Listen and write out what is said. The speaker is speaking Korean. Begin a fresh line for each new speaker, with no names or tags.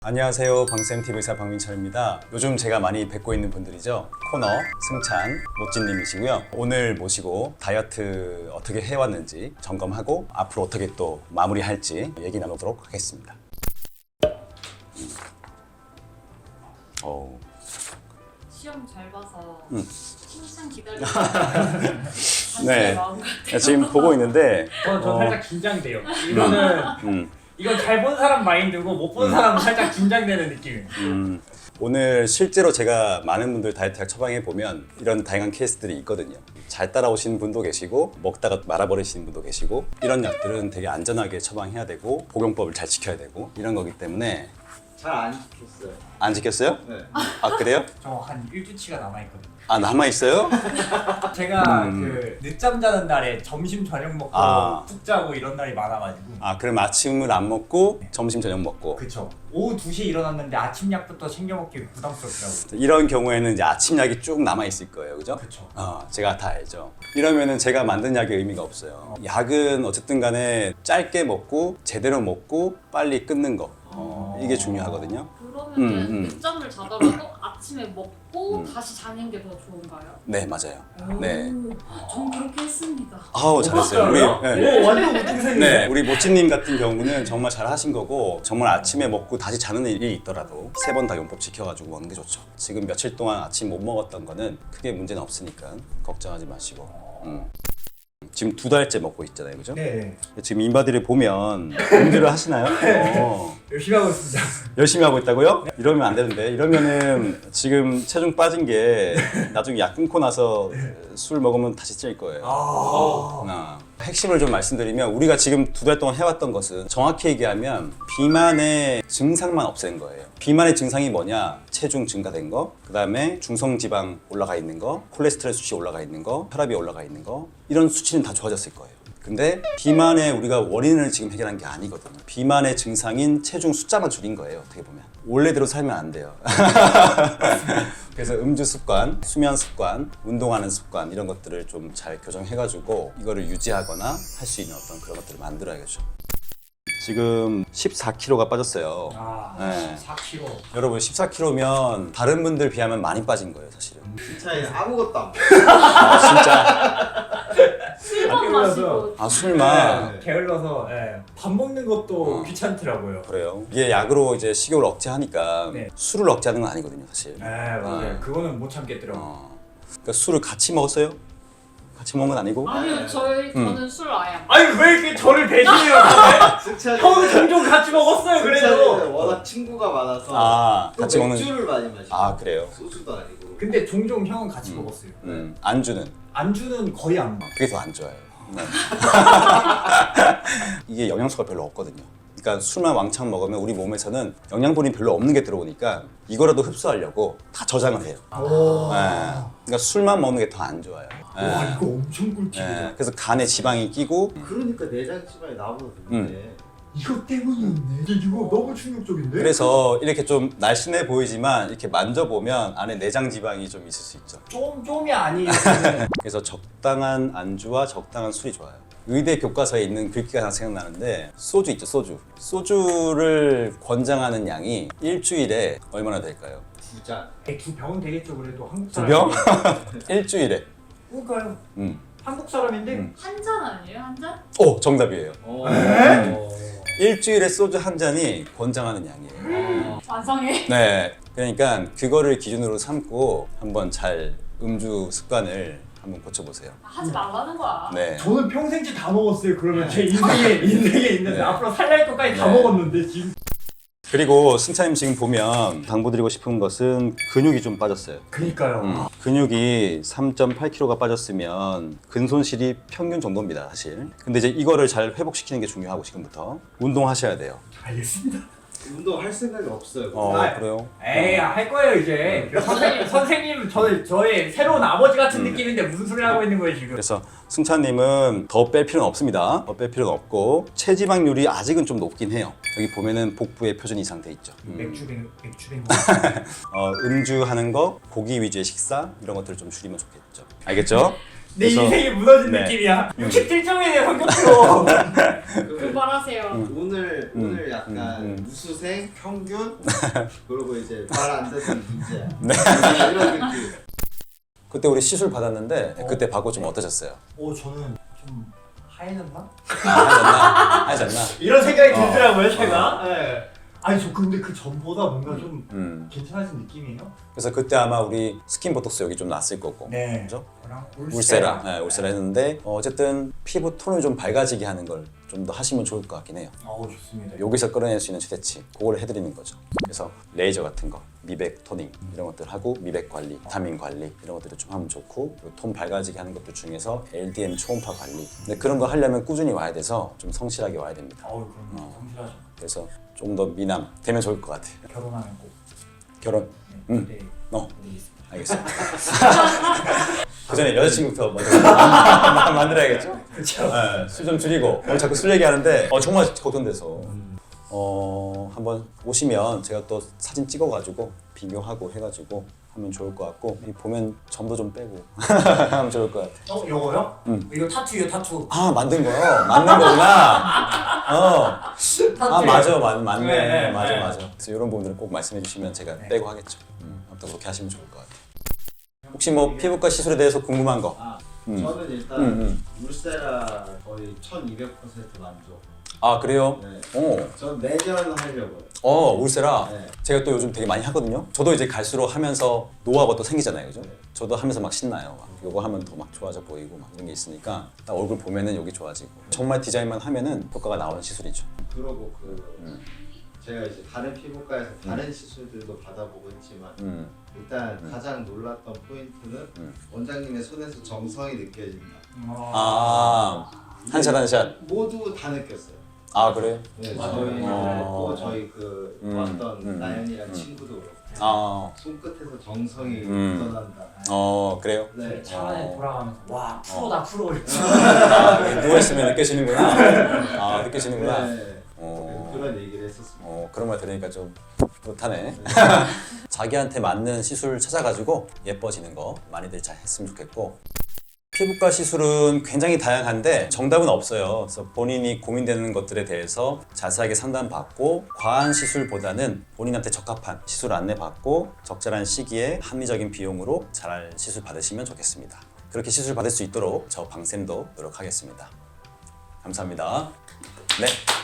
안녕하세요. 방쌤TV사 박민철입니다. 요즘 제가 많이 뵙고 있는 분들이죠. 코너 승찬 모찌님이시고요. 오늘 모시고 다이어트 어떻게 해왔는지 점검하고 앞으로 어떻게 또 마무리할지 얘기 나누도록 하겠습니다.
시험 잘 봐서 칭찬 기다리고
네.
마음 같아요.
지금 보고 있는데
저 살짝 긴장돼요. 이건 잘 본 사람 마인드고 못 본 사람은 살짝 긴장되는 느낌이에요.
오늘 실제로 제가 많은 분들 다이어트학 처방해 보면 이런 다양한 케이스들이 있거든요. 잘 따라오시는 분도 계시고 먹다가 말아버리시는 분도 계시고 이런 약들은 되게 안전하게 처방해야 되고 복용법을 잘 지켜야 되고 이런 거기 때문에
잘 안 지켰어요.
안 지켰어요?
네.
아 그래요?
저 한 1주치가 남아있거든요.
아 남아있어요?
제가 그 늦잠 자는 날에 점심 저녁 먹고 푹 자고 이런 날이 많아가지고.
아 그럼 아침을 안 먹고 점심 저녁 먹고
그쵸. 오후 2시에 일어났는데 아침 약부터 챙겨 먹기 부담스럽더라고요.
이런 경우에는 이제 아침 약이 쭉 남아 있을 거예요, 그죠?
그쵸.
제가 다 알죠. 이러면은 제가 만든 약의 의미가 없어요. 약은 어쨌든 간에 짧게 먹고 제대로 먹고 빨리 끊는 거 이게 중요하거든요.
그러면 늦잠을 자더라도 아침에 먹고 다시 자는 게 더 좋은가요?
네 맞아요. 네.
전 그렇게 했습니다.
아우 잘했어요. 우리
오 완전 우등생이네.
네, 우리 모찌님 같은 경우는 정말 잘 하신 거고 정말 아침에 먹고 다시 자는 일이 있더라도 3번 다 용법 지켜가지고 먹는 게 좋죠. 지금 며칠 동안 아침 못 먹었던 거는 크게 문제는 없으니까 걱정하지 마시고 지금 2달째 먹고 있잖아요, 그죠?
네.
지금 인바디를 보면 음주를 하시나요?
열심히 하고 있습니다.
열심히 하고 있다고요? 이러면 안 되는데 이러면은 지금 체중 빠진 게 나중에 약 끊고 나서 술 먹으면 다시 찔 거예요. 핵심을 좀 말씀드리면 우리가 지금 2달 동안 해왔던 것은 정확히 얘기하면 비만의 증상만 없앤 거예요. 비만의 증상이 뭐냐? 체중 증가된 거, 그 다음에 중성지방 올라가 있는 거, 콜레스테롤 수치 올라가 있는 거, 혈압이 올라가 있는 거 이런 수치는 다 좋아졌을 거예요. 근데 비만의 우리가 원인을 지금 해결한 게 아니거든요. 비만의 증상인 체중 숫자만 줄인 거예요. 어떻게 보면 원래대로 살면 안 돼요. 그래서 음주 습관, 수면 습관, 운동하는 습관 이런 것들을 좀 잘 교정해가지고 이거를 유지하거나 할 수 있는 어떤 그런 것들을 만들어야겠죠. 지금 14kg가 빠졌어요. 네.
4kg.
여러분 14kg면 다른 분들 비하면 많이 빠진 거예요, 사실은.
차에 아무것도 안
진짜.
술만 마시고
술만.
게을러서 밥 먹는 것도 귀찮더라고요.
그래요. 이게 약으로 이제 식욕을 억제하니까
네.
술을 억제하는 건 아니거든요, 사실.
네 맞아요. 그거는 못 참겠더라고요.
그러니까 술을 같이 먹었어요? 같이 먹은 건 아니고?
아니요, 저는 술 아예 안
아니 왜 이렇게 저를 배신해요? 형은 종종 같이 먹었어요. 그래도.
워낙 친구가 많아서 또
같이 먹는.
맥주를 많이 마시고
그래요.
소주도 아니고.
근데 종종 형은 같이 먹었어요.
안주는
안주는 거의 안 먹어.
그게 더 안 좋아요. 네. 이게 영양소가 별로 없거든요. 그러니까 술만 왕창 먹으면 우리 몸에서는 영양분이 별로 없는 게 들어오니까 이거라도 흡수하려고 다 저장을 해요. 그러니까 술만 먹는 게 더 안 좋아요.
와 이거 엄청 꿀팁이다.
그래서 간에 지방이 끼고
그러니까 내장 지방이 나보다 늦네.
이거 때문이었네. 이거 너무 충격적인데?
그래서 이렇게 좀 날씬해 보이지만 이렇게 만져보면 안에 내장 지방이 좀 있을 수 있죠.
좀이 아니에요.
그래서 적당한 안주와 적당한 술이 좋아요. 의대 교과서에 있는 글귀가 하나 생각나는데 소주 있죠, 소주. 소주를 권장하는 양이 일주일에 얼마나 될까요?
2잔.
2병은 되겠죠 그래도 한국
2병?
사람.
일주일에.
그러니까요. 한국 사람인데
한 잔 아니에요? 한 잔?
정답이에요. 일주일에 소주 한 잔이 권장하는 양이에요.
완성해.
네, 그러니까 그거를 기준으로 삼고 한번 잘 음주 습관을 한번 고쳐보세요.
하지 말라는 거야.
네.
저는 평생치 다 먹었어요. 그러면 제 인생에 있는데 앞으로 살날 것까지 다 먹었는데 지금.
그리고 승차님 지금 보면 당부드리고 싶은 것은 근육이 좀 빠졌어요.
그니까요.
근육이 3.8kg가 빠졌으면 근손실이 평균 정도입니다, 사실. 근데 이제 이거를 잘 회복시키는 게 중요하고 지금부터 운동하셔야 돼요.
알겠습니다.
운동할 생각이 없어요.
그래요?
에이 할 거예요 이제. 선생님 저의 새로운 아버지 같은 느낌인데 무슨 소리 하고 있는 거예요 지금?
그래서 승차님은 더 뺄 필요는 없습니다. 더 뺄 필요는 없고 체지방률이 아직은 좀 높긴 해요. 여기 보면은 복부에 표준 이상 돼 있죠.
맥주뱅
음주하는 거, 고기 위주의 식사 이런 것들을 좀 줄이면 좋겠죠. 알겠죠?
내
그래서-
인생이 무너진
네.
느낌이야. 67점이네 성적표.
그만하세요.
오늘 약간 우수생, 평균, 그리고 이제 말 안 듣는 문제.
네.
이런 느낌.
그때 우리 시술 받았는데 그때 받고 좀 어떠셨어요?
저는 좀 하얘졌나?
하셨나?
이런 생각이 들더라고요 제가. 네. 아니 저 근데 그 전보다 뭔가 좀 괜찮아진 느낌이에요.
그래서 그때 아마 우리 스킨 보톡스 여기 좀 났을 거고.
네.
그죠?
저랑
울세라. 네, 울세라 했는데 어쨌든 피부 톤을 좀 밝아지게 하는 걸 좀 더 하시면 좋을 것 같긴 해요.
좋습니다.
여기서 끌어낼 수 있는 최대치 그걸 해드리는 거죠. 그래서 레이저 같은 거, 미백 토닝 이런 것들 하고 미백 관리, 비타민 관리 이런 것들을 좀 하면 좋고 그리고 톤 밝아지게 하는 것들 중에서 LDM 초음파 관리. 근데 그런 거 하려면 꾸준히 와야 돼서 좀 성실하게 와야 됩니다.
그럼 성실하죠.
그래서 좀 더 미남 되면 좋을 것 같아요.
결혼하면 꼭.
결혼.
네.
알겠어. 그 전에 여자친구부터 먼저 만들어야겠죠?
그렇죠.
술 좀 줄이고 오늘 자꾸 술 얘기하는데 정말 걱정돼서 한번 오시면 제가 또 사진 찍어가지고 비교하고 해가지고 하면 좋을 것 같고 이 보면 점도 좀 빼고 하면 좋을 것 같아요.
요거요? 이거 타투예요 타투.
아 만든 거요? 만든 거구나. 아 맞아 맞네.
네,
맞아
네.
맞아. 그래서 이런 부분들은 꼭 말씀해 주시면 제가 빼고 하겠죠. 아무튼 그렇게 하시면 좋을 것 같아요. 혹시 뭐 피부과 시술에 대해서 궁금한 거?
저는 일단 울세라 거의 1200% 만족.
아 그래요?
네. 전 매년 하려고요.
울세라.
네.
제가 또 요즘 되게 많이 하거든요. 저도 이제 갈수록 하면서 노하우가 또 생기잖아요, 그죠? 저도 하면서 막 신나요. 막 요거 하면 더 막 좋아져 보이고 막 이런 게 있으니까 딱 얼굴 보면은 여기 좋아지고 정말 디자인만 하면은 효과가 나오는 시술이죠.
그러고 제가 이제 다른 피부과에서 다른 시술들도 받아보고 했지만 일단 가장 놀랐던 포인트는 원장님의 손에서 정성이 느껴진다.
한샷 한샷.
모두 다 느꼈어요.
아 그래요?
네, 저희 그랬고 저희 왔던 나연이랑 친구도 그렇고 손끝에서 정성이 묻어난다.
그래요?
네.
차 안에 돌아가면서 와 프로다 프로.
누워있으면 느껴지는구나. 느껴지는구나.
네. 그런 얘기를 했었습니다.
그런 말 들으니까 좀 못하네. 자기한테 맞는 시술 찾아가지고 예뻐지는 거 많이들 잘 했으면 좋겠고 피부과 시술은 굉장히 다양한데 정답은 없어요. 그래서 본인이 고민되는 것들에 대해서 자세하게 상담받고 과한 시술보다는 본인한테 적합한 시술 안내 받고 적절한 시기에 합리적인 비용으로 잘 시술 받으시면 좋겠습니다. 그렇게 시술 받을 수 있도록 저 방쌤도 노력하겠습니다. 감사합니다. 네.